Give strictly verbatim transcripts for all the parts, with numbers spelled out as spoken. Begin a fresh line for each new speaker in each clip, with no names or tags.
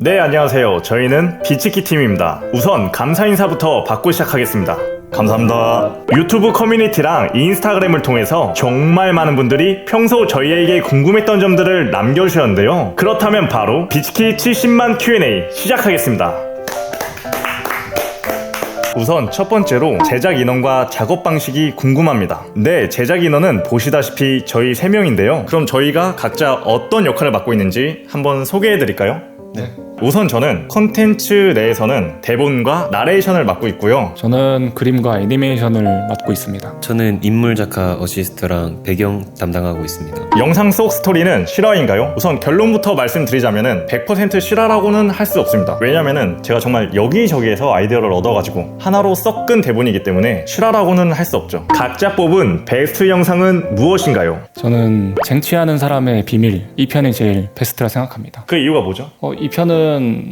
네, 안녕하세요. 저희는 비치키 팀입니다. 우선 감사 인사부터 받고 시작하겠습니다. 감사합니다. 유튜브 커뮤니티랑 인스타그램을 통해서 정말 많은 분들이 평소 저희에게 궁금했던 점들을 남겨주셨는데요. 그렇다면 바로 비치키 칠십만 큐 앤 에이 시작하겠습니다. 우선 첫 번째로 제작 인원과 작업 방식이 궁금합니다. 네, 제작 인원은 보시다시피 저희 세 명인데요. 그럼 저희가 각자 어떤 역할을 맡고 있는지 한번 소개해드릴까요?
네.
우선 저는 컨텐츠 내에서는 대본과 나레이션을 맡고 있고요.
저는 그림과 애니메이션을 맡고 있습니다.
저는 인물 작가 어시스트랑 배경 담당하고 있습니다.
영상 속 스토리는 실화인가요? 우선 결론부터 말씀드리자면은 백 퍼센트 실화라고는 할 수 없습니다. 왜냐면은 제가 정말 여기저기에서 아이디어를 얻어가지고 하나로 섞은 대본이기 때문에 실화라고는 할 수 없죠. 각자 뽑은 베스트 영상은 무엇인가요?
저는 쟁취하는 사람의 비밀, 이 편이 제일 베스트라 생각합니다.
그 이유가 뭐죠?
어, 이 편은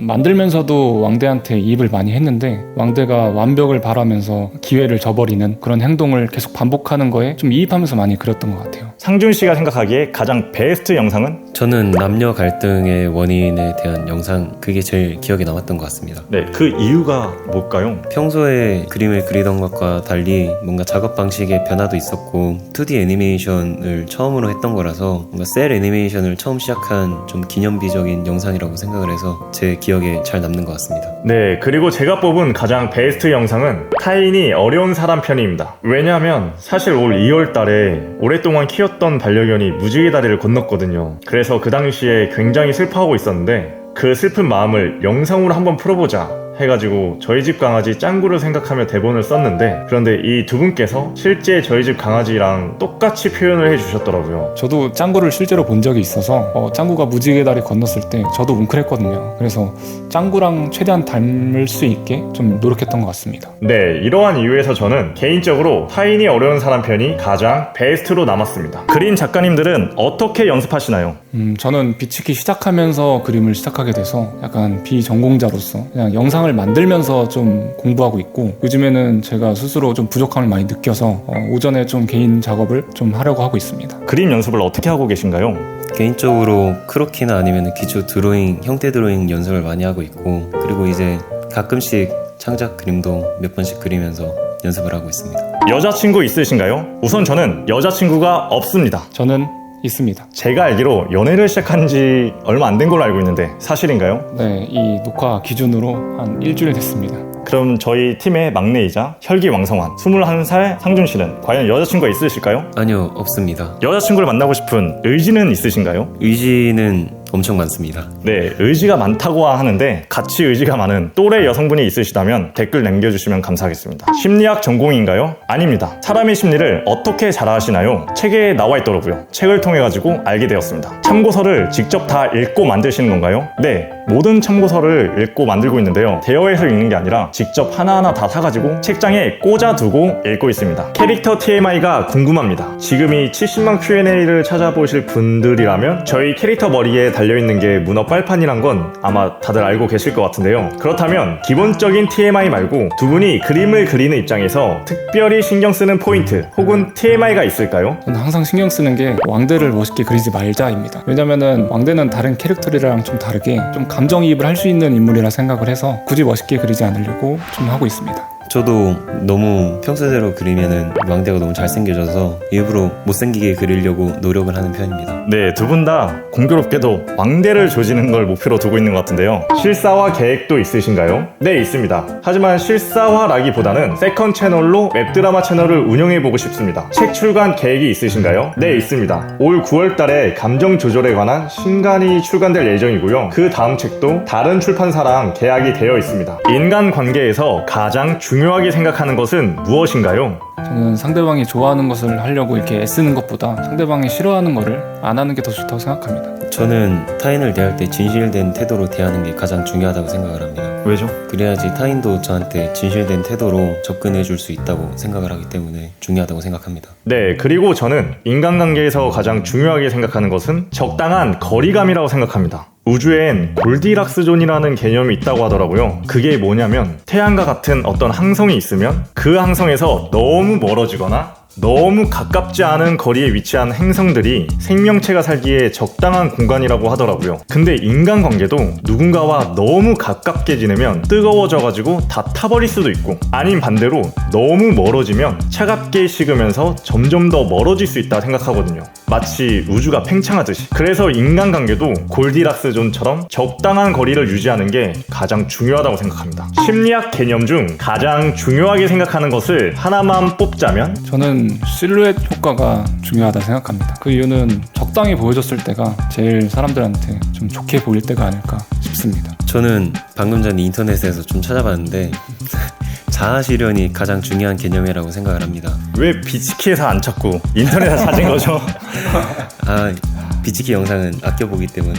만들면서도 왕대한테 이입을 많이 했는데 왕대가 완벽을 바라면서 기회를 저버리는 그런 행동을 계속 반복하는 거에 좀 이입하면서 많이 그렸던 것 같아요.
상준 씨가 생각하기에 가장 베스트 영상은?
저는 남녀 갈등의 원인에 대한 영상, 그게 제일 기억에 남았던 것 같습니다.
네, 그 이유가 뭘까요?
평소에 그림을 그리던 것과 달리 뭔가 작업 방식의 변화도 있었고 투디 애니메이션을 처음으로 했던 거라서 뭔가 셀 애니메이션을 처음 시작한 좀 기념비적인 영상이라고 생각을 해서 제 기억에 잘 남는 것 같습니다.
네, 그리고 제가 뽑은 가장 베스트 영상은 타인이 어려운 사람 편입니다. 왜냐하면 사실 올 이월 달에 오랫동안 키웠던 반려견이 무지개 다리를 건넜거든요. 그래서 그 당시에 굉장히 슬퍼하고 있었는데 그 슬픈 마음을 영상으로 한번 풀어보자 해가지고 저희 집 강아지 짱구를 생각하며 대본을 썼는데, 그런데 이 두 분께서 실제 저희 집 강아지랑 똑같이 표현을 해주셨더라고요.
저도 짱구를 실제로 본 적이 있어서 어, 짱구가 무지개 다리 건넜을 때 저도 웅크랬거든요. 그래서 짱구랑 최대한 닮을 수 있게 좀 노력했던 것 같습니다.
네, 이러한 이유에서 저는 개인적으로 타인이 어려운 사람 편이 가장 베스트로 남았습니다. 그림 작가님들은 어떻게 연습하시나요?
음, 저는 비치키 시작하면서 그림을 시작하게 돼서 약간 비전공자로서 그냥 영상을 만들면서 좀 공부하고 있고, 요즘에는 제가 스스로 좀 부족함을 많이 느껴서 어, 오전에 좀 개인 작업을 좀 하려고 하고 있습니다.
그림 연습을 어떻게 하고 계신가요?
개인적으로 크로키나 아니면 기초 드로잉, 형태 드로잉 연습을 많이 하고 있고, 그리고 이제 가끔씩 창작 그림도 몇 번씩 그리면서 연습을 하고 있습니다.
여자친구 있으신가요? 우선 저는 여자친구가 없습니다.
저는 있습니다.
제가 알기로 연애를 시작한 지 얼마 안 된 걸로 알고 있는데 사실인가요?
네, 이 녹화 기준으로 한 일주일 됐습니다.
그럼 저희 팀의 막내이자 혈기왕성한 스물한 살 상준 씨는 과연 여자친구가 있으실까요?
아니요, 없습니다.
여자친구를 만나고 싶은 의지는 있으신가요?
의지는 엄청 많습니다.
네, 의지가 많다고 하는데 같이 의지가 많은 또래 여성분이 있으시다면 댓글 남겨주시면 감사하겠습니다. 심리학 전공인가요? 아닙니다. 사람의 심리를 어떻게 잘 아시나요? 책에 나와 있더라고요. 책을 통해 가지고 알게 되었습니다. 참고서를 직접 다 읽고 만드시는 건가요? 네, 모든 참고서를 읽고 만들고 있는데요. 대여해서 읽는 게 아니라 직접 하나하나 다 사가지고 책장에 꽂아두고 읽고 있습니다. 캐릭터 티엠아이가 궁금합니다. 지금 이 칠십만 큐 앤 에이를 찾아보실 분들이라면 저희 캐릭터 머리에 달려있는 게 문어 빨판이란 건 아마 다들 알고 계실 것 같은데요. 그렇다면 기본적인 티엠아이 말고 두 분이 그림을 그리는 입장에서 특별히 신경 쓰는 포인트 혹은 티엠아이가 있을까요?
저는 항상 신경 쓰는 게 왕대를 멋있게 그리지 말자입니다. 왜냐면은 왕대는 다른 캐릭터들이랑 좀 다르게 좀 감정이입을 할 수 있는 인물이라 생각을 해서 굳이 멋있게 그리지 않으려고 좀 하고 있습니다.
저도 너무 평소대로 그리면은 왕대가 너무 잘생겨져서 일부러 못생기게 그리려고 노력을 하는 편입니다.
네, 두 분 다 공교롭게도 왕대를 조지는 걸 목표로 두고 있는 것 같은데요. 실사화 계획도 있으신가요? 네, 있습니다. 하지만 실사화라기보다는 세컨 채널로 웹드라마 채널을 운영해보고 싶습니다. 책 출간 계획이 있으신가요? 네, 있습니다. 올 구월 달에 감정 조절에 관한 신간이 출간될 예정이고요. 그 다음 책도 다른 출판사랑 계약이 되어 있습니다. 인간관계에서 가장 중요한 중요하게 생각하는 것은 무엇인가요?
저는 상대방이 좋아하는 것을 하려고 이렇게 애쓰는 것보다 상대방이 싫어하는 것을 안 하는 게 더 좋다고 생각합니다.
저는 타인을 대할 때 진실된 태도로 대하는 게 가장 중요하다고 생각을 합니다.
왜죠?
그래야지 타인도 저한테 진실된 태도로 접근해 줄 수 있다고 생각을 하기 때문에 중요하다고 생각합니다.
네, 그리고 저는 인간관계에서 가장 중요하게 생각하는 것은 적당한 거리감이라고 생각합니다. 우주엔 골디락스 존이라는 개념이 있다고 하더라고요. 그게 뭐냐면 태양과 같은 어떤 항성이 있으면 그 항성에서 너무 멀어지거나 너무 가깝지 않은 거리에 위치한 행성들이 생명체가 살기에 적당한 공간이라고 하더라고요. 근데 인간관계도 누군가와 너무 가깝게 지내면 뜨거워져가지고 다 타버릴 수도 있고, 아닌 반대로 너무 멀어지면 차갑게 식으면서 점점 더 멀어질 수 있다 생각하거든요. 마치 우주가 팽창하듯이. 그래서 인간관계도 골디락스 존처럼 적당한 거리를 유지하는 게 가장 중요하다고 생각합니다. 심리학 개념 중 가장 중요하게 생각하는 것을 하나만 뽑자면
저는 실루엣 효과가 중요하다 생각합니다. 그 이유는 적당히 보여줬을 때가 제일 사람들한테 좀 좋게 보일 때가 아닐까 싶습니다.
저는 방금 전에 인터넷에서 좀 찾아봤는데 자아 실현이 가장 중요한 개념이라고 생각을 합니다.
왜 비치키에서 안 찾고 인터넷에 찾은 거죠?
아, 비치키 영상은 아껴보기 때문에.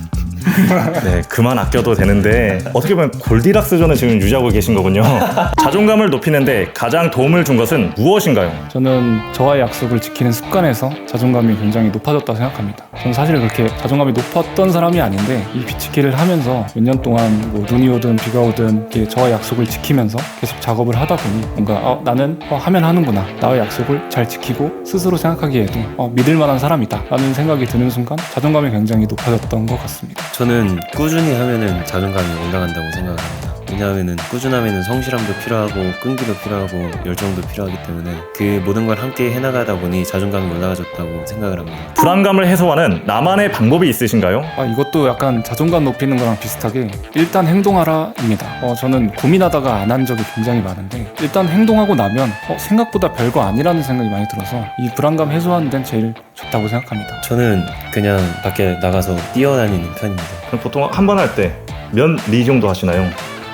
네, 그만 아껴도 되는데 어떻게 보면 골디락스 존을 지금 유지하고 계신 거군요. 자존감을 높이는데 가장 도움을 준 것은 무엇인가요?
저는 저와의 약속을 지키는 습관에서 자존감이 굉장히 높아졌다고 생각합니다. 저는 사실 그렇게 자존감이 높았던 사람이 아닌데 이 비치키를 하면서 몇 년 동안 뭐 눈이 오든 비가 오든 이렇게 저와의 약속을 지키면서 계속 작업을 하다 보니 뭔가 어, 나는 어, 하면 하는구나, 나의 약속을 잘 지키고 스스로 생각하기에도 어, 믿을 만한 사람이다 라는 생각이 드는 순간 자존감이 굉장히 높아졌던 것 같습니다.
저는 꾸준히 하면은 자존감이 올라간다고 생각합니다. 왜냐하면은 꾸준하면은 성실함도 필요하고 끈기도 필요하고 열정도 필요하기 때문에 그 모든 걸 함께 해나가다 보니 자존감이 올라가졌다고 생각을 합니다.
불안감을 해소하는 나만의 방법이 있으신가요?
아, 이것도 약간 자존감 높이는 거랑 비슷하게 일단 행동하라 입니다. 어, 저는 고민하다가 안 한 적이 굉장히 많은데 일단 행동하고 나면 어, 생각보다 별거 아니라는 생각이 많이 들어서 이 불안감 해소하는 데는 제일 좋다고 생각합니다.
저는 그냥 밖에 나가서 뛰어다니는 편입니다.
그럼 보통 한 번 할 때 몇 리 정도 하시나요?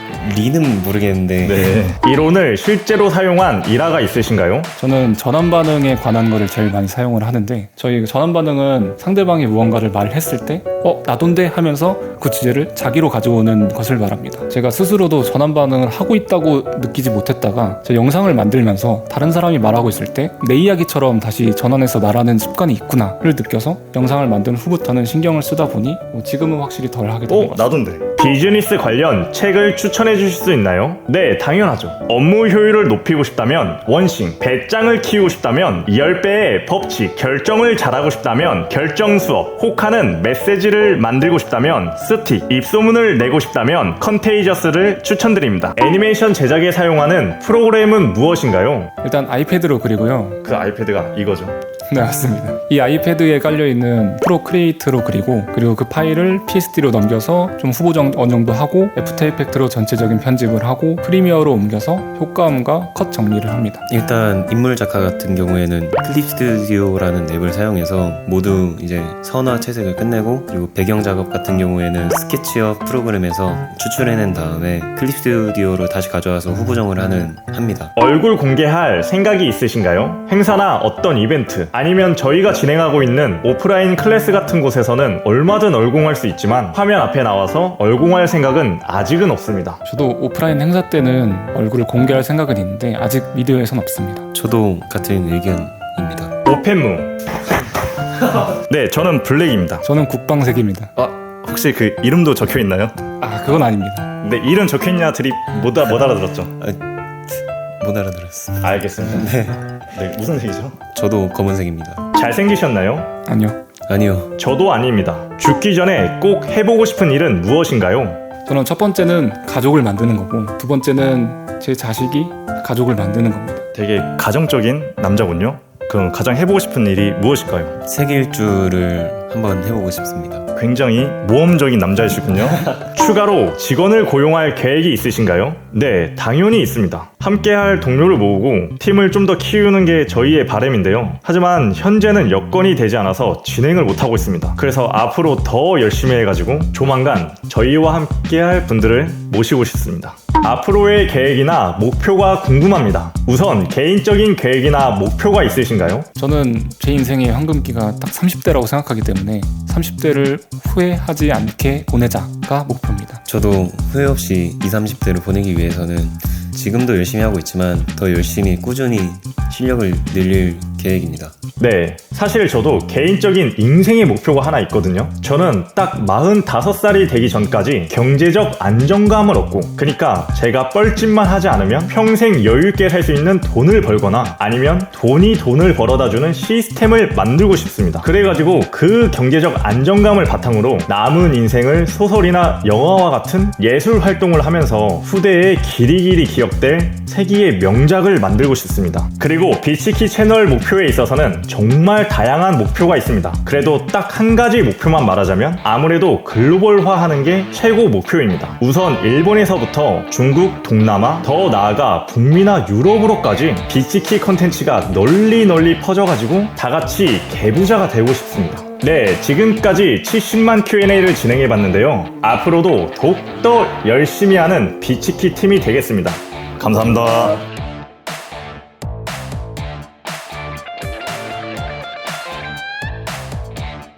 리는 모르겠는데
네. 이론을 실제로 사용한 일화가 있으신가요?
저는 전환 반응에 관한 거를 제일 많이 사용을 하는데 저희 전환 반응은 상대방이 무언가를 말했을 때 어? 나돈데? 하면서 그 주제를 자기로 가져오는 것을 말합니다. 제가 스스로도 전환 반응을 하고 있다고 느끼지 못했다가 제 영상을 만들면서 다른 사람이 말하고 있을 때 내 이야기처럼 다시 전환해서 말하는 습관이 있구나를 느껴서 영상을 만든 후부터는 신경을 쓰다 보니 뭐 지금은 확실히 덜 하게 된
어?
것 같습니다.
나돈데. 비즈니스 관련 책을 추천해 주실 수 있나요? 네, 당연하죠. 업무 효율을 높이고 싶다면 원싱, 배짱을 키우고 싶다면 십 배의 법칙, 결정을 잘하고 싶다면 결정 수업, 혹하는 메시지를 만들고 싶다면 스틱, 입소문을 내고 싶다면 컨테이저스를 추천드립니다. 애니메이션 제작에 사용하는 프로그램은 무엇인가요?
일단 아이패드로 그리고요.
그 아이패드가 이거죠.
네, 맞습니다. 이 아이패드에 깔려있는 프로크리에이트로 그리고 그리고 그 파일을 피에스디로 넘겨서 좀 후보 정, 어느 정도 하고 애프터 이펙트로 전체적인 편집을 하고 프리미어로 옮겨서 효과음과 컷 정리를 합니다.
일단 인물 작가 같은 경우에는 클립 스튜디오라는 앱을 사용해서 모두 이제 선화 채색을 끝내고 그리고 배경 작업 같은 경우에는 스케치업 프로그램에서 추출해낸 다음에 클립 스튜디오로 다시 가져와서 후보정을 하는 합니다.
얼굴 공개할 생각이 있으신가요? 행사나 어떤 이벤트 아니면 저희가 진행하고 있는 오프라인 클래스 같은 곳에서는 얼마든 얼공할 수 있지만 화면 앞에 나와서 얼공할 생각은 아직은 없습니다.
저도 오프라인 행사 때는 얼굴을 공개할 생각은 있는데 아직 미디어에선 없습니다.
저도 같은 의견입니다.
오펜무. 네, 저는 블랙입니다.
저는 국방색입니다.
아, 혹시 그 이름도 적혀 있나요?
아, 그건 아닙니다.
네, 이름 적혀 있냐 드립 못, 아- 못 알아들었죠?
못 알아들었습니다.
알겠습니다. 네. 네, 무슨 색이죠?
저도 검은색입니다.
잘생기셨나요?
아니요.
아니요.
저도 아닙니다. 죽기 전에 꼭 해보고 싶은 일은 무엇인가요?
저는 첫 번째는 가족을 만드는 거고 두 번째는 제 자식이 가족을 만드는 겁니다.
되게 가정적인 남자군요. 그럼 가장 해보고 싶은 일이 무엇일까요?
세계 일주를 한번 해보고 싶습니다.
굉장히 모험적인 남자이시군요. 추가로 직원을 고용할 계획이 있으신가요? 네, 당연히 있습니다. 함께할 동료를 모으고 팀을 좀 더 키우는 게 저희의 바람인데요. 하지만 현재는 여건이 되지 않아서 진행을 못하고 있습니다. 그래서 앞으로 더 열심히 해가지고 조만간 저희와 함께할 분들을 모시고 싶습니다. 앞으로의 계획이나 목표가 궁금합니다. 우선 개인적인 계획이나 목표가 있으신가요?
저는 제 인생의 황금기가 딱 삼십 대라고 생각하기 때문에 삼십 대를 후회하지 않게 보내자가 목표입니다.
저도 후회 없이 이십, 삼십 대를 보내기 위해서는 지금도 열심히 하고 있지만 더 열심히 꾸준히 실력을 늘릴 계획입니다.
네, 사실 저도 개인적인 인생의 목표가 하나 있거든요. 저는 딱 마흔다섯 살이 되기 전까지 경제적 안정감을 얻고, 그러니까 제가 뻘짓만 하지 않으면 평생 여유있게 살 수 있는 돈을 벌거나 아니면 돈이 돈을 벌어다주는 시스템을 만들고 싶습니다. 그래가지고 그 경제적 안정감을 바탕으로 남은 인생을 소설이나 영화와 같은 예술 활동을 하면서 후대에 길이길이 기억될 세기의 명작을 만들고 싶습니다. 그리고 비치키 채널 목표에 있어서는 정말 다양한 목표가 있습니다. 그래도 딱 한 가지 목표만 말하자면 아무래도 글로벌화하는 게 최고 목표입니다. 우선 일본에서부터 중국, 동남아, 더 나아가 북미나 유럽으로까지 비치키 컨텐츠가 널리 널리 퍼져가지고 다같이 개부자가 되고 싶습니다. 네, 지금까지 칠십만 큐 앤 에이를 진행해봤는데요. 앞으로도 더욱더 열심히 하는 비치키 팀이 되겠습니다. 감사합니다.